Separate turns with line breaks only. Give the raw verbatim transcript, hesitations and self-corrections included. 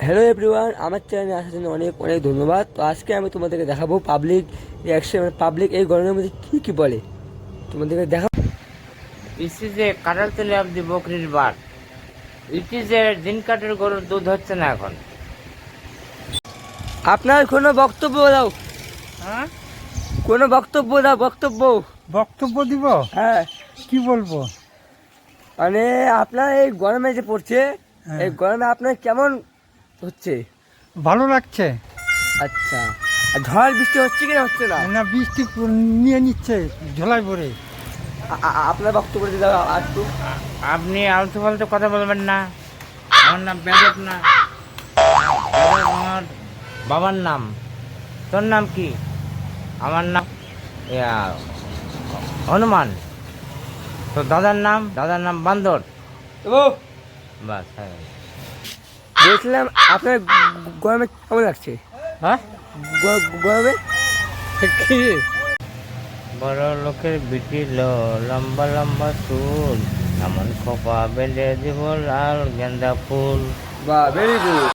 Hello everyone, আমার চ্যানেলে আসার জন্য অনেক অনেক ধন্যবাদ। তো আজকে আমি তোমাদেরকে দেখাবো পাবলিক রিয়াকশন, মানে পাবলিক এই গরমের মধ্যে কী কী বলে তোমাদেরকে দেখাবো।
This is a কাটাল তেলে of the বকরির বার। It is a দিন কাটের গরুর দুধ হচ্ছে না এখন।
আপনার কোনো বক্তব্য দাও,
হ্যাঁ,
কোনো বক্তব্য দাও, বক্তব্য।
বক্তব্য দিব,
হ্যাঁ,
কি বলবো?
মানে আপনার এই গরমে যে পড়ছে,
হ্যাঁ।
এই গরমে আপনার কেমন হচ্ছে?
ভালো লাগছে
আচ্ছা, আর ঝড় বৃষ্টি হচ্ছে কি না হচ্ছে না?
না? বৃষ্টি নিয়ে নিচ্ছে ঝোলাই ভরে।
আ- আ- আপনার বক্তব্য দিয়ে দাও আর একটু।
আপনি আলতু ফালতু কথা বলবেন না। আমার নাম বেদক না, বেদক আমার বাবার নাম। তোর নাম কি? আমার নাম ইয়া, হনুমান। তো দাদার নাম দাদার নাম বান্দর।
ও,
বাস, হ্যাঁ।
বলছিলাম আপনার গ- গরমে কেমন লাগছে?
হ্যাঁ,
গ- গরমে কি?
বড় লোকের বিটিল লম্বা লম্বা চুল, এমন খোপা বেঁধে দিব লাল গেন্দা ফুল।
বাহ, ভেরি গুড।